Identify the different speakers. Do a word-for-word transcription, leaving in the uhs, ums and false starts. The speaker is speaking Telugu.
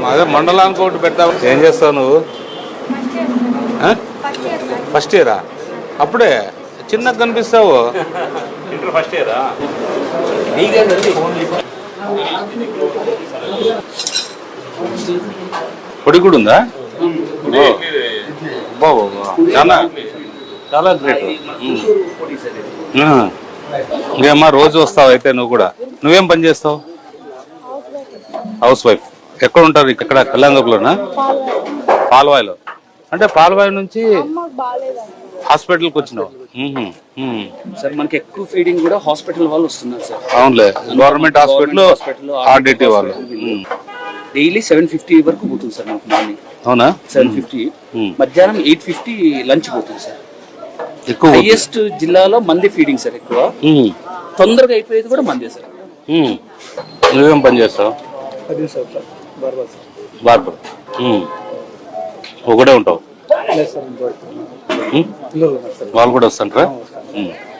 Speaker 1: అదే మండలానికి ఒకటి పెడతావు. ఏం చేస్తావు నువ్వు? ఫస్ట్ ఇయరా? అప్పుడే చిన్నగా కనిపిస్తావు.
Speaker 2: ఇంటర్ ఫస్ట్ ఇయరా?
Speaker 1: పొడి కూడా ఉందా? చాలా చాలా గ్రేట్. ఇంకేమ్మా రోజు వస్తావు అయితే నువ్వు కూడా? నువ్వేం పని చేస్తావు? House wife. ఎక్కడ ఉంటారు? ఇక్కడ కళ్యాణదుర్గంలోనా? పాల్వాయిలో. అంటే పాల్వాయి నుంచి హాస్పిటల్కి వచ్చినావు?
Speaker 3: సార్ మనకి ఎక్కువ ఫీడింగ్ కూడా హాస్పిటల్ వాళ్ళు వస్తున్నారు సార్.
Speaker 1: అవునులే, గవర్నమెంట్ హాస్పిటల్ ఆర్డిటి వాళ్ళు.
Speaker 3: డైలీ సెవెన్ ఫిఫ్టీ వరకు పోతుంది సార్ మనకు మార్నింగ్.
Speaker 1: అవునా?
Speaker 3: సెవెన్ ఫిఫ్టీ మధ్యాహ్నం ఎయిట్ ఫిఫ్టీ లంచ్ పోతుంది సార్.
Speaker 1: ఎక్కువ
Speaker 3: హైయెస్ట్ జిల్లాలో మంది ఫీడింగ్ సార్. ఎక్కువ తొందరగా అయిపోయేది కూడా మందే సార్.
Speaker 1: నువ్వేం పని చేస్తావు? బార్బర్. ఒకటే ఉంటావు? వాళ్ళు కూడా వస్తుంటారా?